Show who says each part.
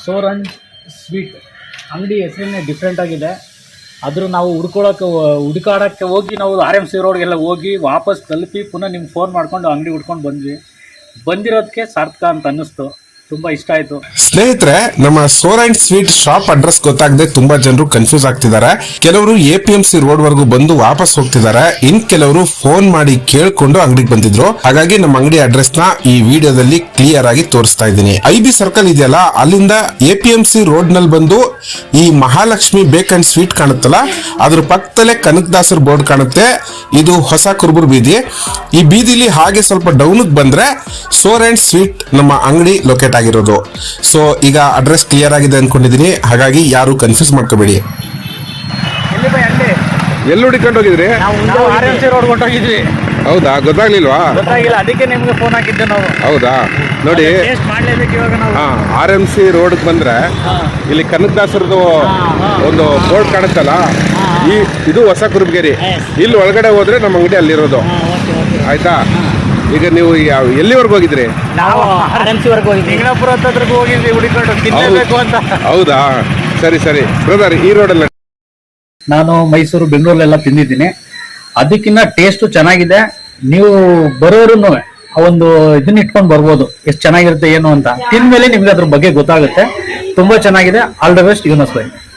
Speaker 1: ಸೋರನ್ sweet ಅಂಗಡಿ ಹೆಸರನ್ನೇ different ಆಗಿದೆ. ಆದರೂ ನಾವು ಹುಡುಕಾಡಕ್ಕೆ ಹೋಗಿ ನಾವು RMC ರೋಡ್ಗೆಲ್ಲ ಹೋಗಿ ವಾಪಸ್ ತಲುಪಿ ಪುನಃ ನಿಮ್ಗೆ ಫೋನ್ ಮಾಡ್ಕೊಂಡು ಅಂಗಡಿ ಹುಡ್ಕೊಂಡು ಬಂದಿರೋದಕ್ಕೆ ಸಾರ್ಥಕ ಅಂತ ಅನ್ನಿಸ್ತು. ತುಂಬಾ ಇಷ್ಟ ಆಯ್ತು.
Speaker 2: ಸ್ನೇಹಿತರೆ, ನಮ್ಮ sour and sweet shop address ಗೊತ್ತಾಗದೆ ತುಂಬಾ ಜನರು ಕನ್ಫ್ಯೂಸ್ ಆಗ್ತಿದ್ದಾರೆ. ಕೆಲವರು APMC ರೋಡ್ ವರೆಗೂ ಬಂದು ವಾಪಸ್ ಹೋಗ್ತಿದ್ದಾರೆ. ಇನ್ ಕೆಲವರು ಫೋನ್ ಮಾಡಿ ಕೇಳ್ಕೊಂಡು ಅಂಗಡಿಗೆ ಬಂದಿದ್ರು. ಹಾಗಾಗಿ ನಮ್ಮ ಅಂಗಡಿ ಅಡ್ರೆಸ್ ನ ಈ ವಿಡಿಯೋದಲ್ಲಿ ಕ್ಲಿಯರ್ ಆಗಿ ತೋರಿಸ್ತಾ ಇದ್ದೀನಿ. IB ಸರ್ಕಲ್ ಇದೆಯಲ್ಲ, ಅಲ್ಲಿಂದ APMC ರೋಡ್ ನಲ್ಲಿ ಬಂದು ಈ ಮಹಾಲಕ್ಷ್ಮಿ ಬೇಕ್ ಅಂಡ್ ಸ್ವೀಟ್ ಕಾಣುತ್ತಲ್ಲ, ಅದ್ರ ಪಕ್ಕದಲ್ಲೇ ಕನಕದಾಸರ್ ಬೋರ್ಡ್ ಕಾಣುತ್ತೆ. ಇದು ಹೊಸ ಕುರುಬೂರು ಬೀದಿ. ಈ ಬೀದಿಲಿ ಹಾಗೆ ಸ್ವಲ್ಪ ಡೌನ್ ಬಂದ್ರೆ ಸೋರ್ ಅಂಡ್ ಸ್ವೀಟ್ ನಮ್ಮ ಅಂಗಡಿ ಲೊಕೇಟ್ ಆಗಿರೋದು. ಸೊ ಈಗ ಅಡ್ರೆಸ್ ಕ್ಲಿಯರ್ ಆಗಿದೆ ಅನ್ಕೊಂಡಿದೀನಿ, ಹಾಗಾಗಿ ಯಾರು ಕನ್ಫ್ಯೂಸ್ ಮಾಡ್ಕೋಬೇಡಿ. ಎಲ್ಲಿ ಹುಡುಕೊಂಡು ಹೋಗಿದ್ರಿ?
Speaker 1: RMC ರೋಡ್ ಹೊಂಟೋಗಿದ್ವಿ.
Speaker 2: ಹೌದಾ, ಗೊತ್ತಾಗ್ಲಿಲ್ವಾ?
Speaker 1: ಗೊತ್ತಾಗಿಲ್ಲ, ಅದಕ್ಕೆ ನಿಮ್ಗೆ ಫೋನ್ ಹಾಕಿದ್ದೆ ನಾವು.
Speaker 2: ಹೌದಾ, ನೋಡಿ
Speaker 1: ಮಾಡ್ಲೇಬೇಕು ಇವಾಗ ನಾವು.
Speaker 2: RMC ರೋಡ್ ಬಂದ್ರೆ ಇಲ್ಲಿ ಕನಕದಾಸರದು ಒಂದು ಬೋರ್ಡ್ ಕಾಣುತ್ತಲ್ಲ, ಇದು ಹೊಸ ಕುರುಬಗೇರಿ. ಇಲ್ಲಿ ಒಳಗಡೆ ಹೋದ್ರೆ ನಮ್ಮ ಅಂಗಡಿ ಅಲ್ಲಿರೋದು. ಆಯ್ತಾ? ಈಗ ನೀವು ಎಲ್ಲಿವರೆಗೂ ಹೋಗಿದ್ರಿ?
Speaker 1: ನಾವು RMC ವರೆಗೂ ಹೋಗಿದ್ವಿ. ನಿಂಗಣಪುರ ಹತ್ರಗೂ ಹೋಗಿದ್ವಿ ಹುಡುಕೊಂಡು ತಿನ್ನಬೇಕು ಅಂತ.
Speaker 2: ಹೌದಾ, ಸರಿ ಸರಿ. ಬ್ರದರ್, ಈ ರೋಡಲ್ಲಿ
Speaker 1: ನಾನು ಮೈಸೂರು, ಬೆಂಗಳೂರಲ್ಲೆಲ್ಲ ತಿಂದಿದ್ದೀನಿ. ಅದಕ್ಕಿಂತ ಟೇಸ್ಟು ಚೆನ್ನಾಗಿದೆ. ನೀವು ಬರೋರು ಒಂದು ಇದನ್ನ ಇಟ್ಕೊಂಡು ಬರ್ಬೋದು, ಎಷ್ಟು ಚೆನ್ನಾಗಿರುತ್ತೆ ಏನು ಅಂತ. ತಿಂದ್ಮೇಲೆ ನಿಮ್ಗೆ ಅದ್ರ ಬಗ್ಗೆ ಗೊತ್ತಾಗುತ್ತೆ. ತುಂಬಾ ಚೆನ್ನಾಗಿದೆ. ಆಲ್ ದ ಬೆಸ್ಟ್, ಯುನಸ್ ಬೈ.